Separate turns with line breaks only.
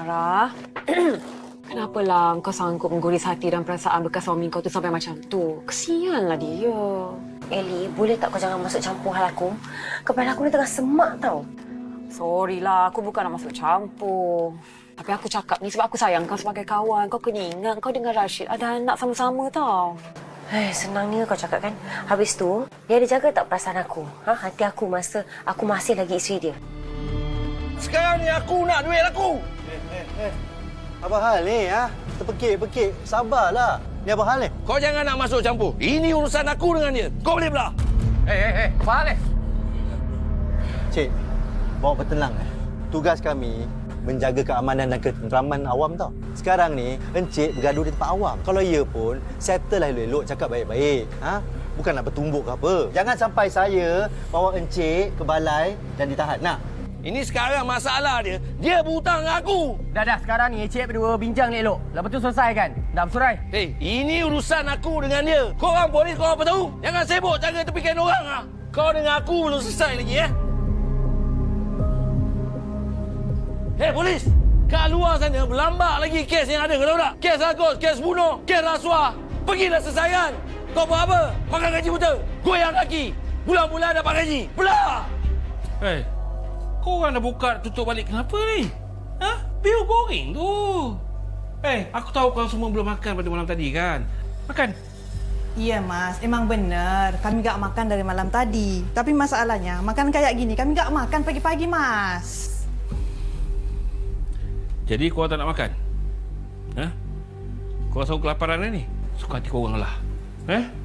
Farah. Kenapalah kau sanggup mengguris hati dan perasaan bekas suami kau tu sampai macam tu? Kesianlah dia.
Ellie, boleh tak kau jangan masuk campur hal aku? Kepala aku ni tengah semak tau.
Sorry lah, aku bukan nak masuk campur. Tapi aku cakap ni sebab aku sayang kau sebagai kawan. Kau kena ingat kau dengan Rashid ada anak sama-sama tau.
Senangnya kau cakap kan. Habis tu, dia ada jaga tak perasaan aku? Hati aku masa aku masih lagi isteri dia.
Sekarang ni aku nak duit aku.
Apa hal ni, Terpekik-pekik. Sabarlah. Ni apa hal ni?
Kau jangan nak masuk campur. Ini urusan aku dengan dia. Kau boleh belah.
Apa hal ni?
Cik, bawa bertenang. Tugas kami menjaga keamanan dan ketenteraman awam tau. Sekarang ni, Encik bergaduh di tempat awam. Kalau ya pun, settle lah elok-elok, cakap baik-baik. Bukan nak bertumbuk ke apa. Jangan sampai saya bawa Encik ke balai dan ditahan. Nak?
Ini sekarang masalah dia. Dia berhutang dengan aku.
Dah, sekarang ni Encik berdua bincang ni elok. Lepas tu selesaikan. Dah bersurai.
Ini urusan aku dengan dia. Korang polis, korang apa tahu? Jangan sibuk jaga tepikan orang. Kau dengan aku belum selesai lagi, polis! Kat luar sana berlambak lagi kes yang ada, kau tahu tak? Kes rakus, kes bunuh, kes rasuah. Pergilah selesaikan. Kau buat apa? Makan gaji buta. Goyang kaki. Bulan-bulan dapat gaji. Belah!
Kau orang dah buka tutup balik kenapa ni? Biar goreng tu. Aku tahu kau semua belum makan pada malam tadi kan? Makan.
Ya Mas, emang benar. Kami tak makan dari malam tadi. Tapi masalahnya, makan kayak gini kami tak makan pagi-pagi Mas.
Jadi kau tak nak makan? Kau rasa kelaparan ni? Suka hati kau orang lah.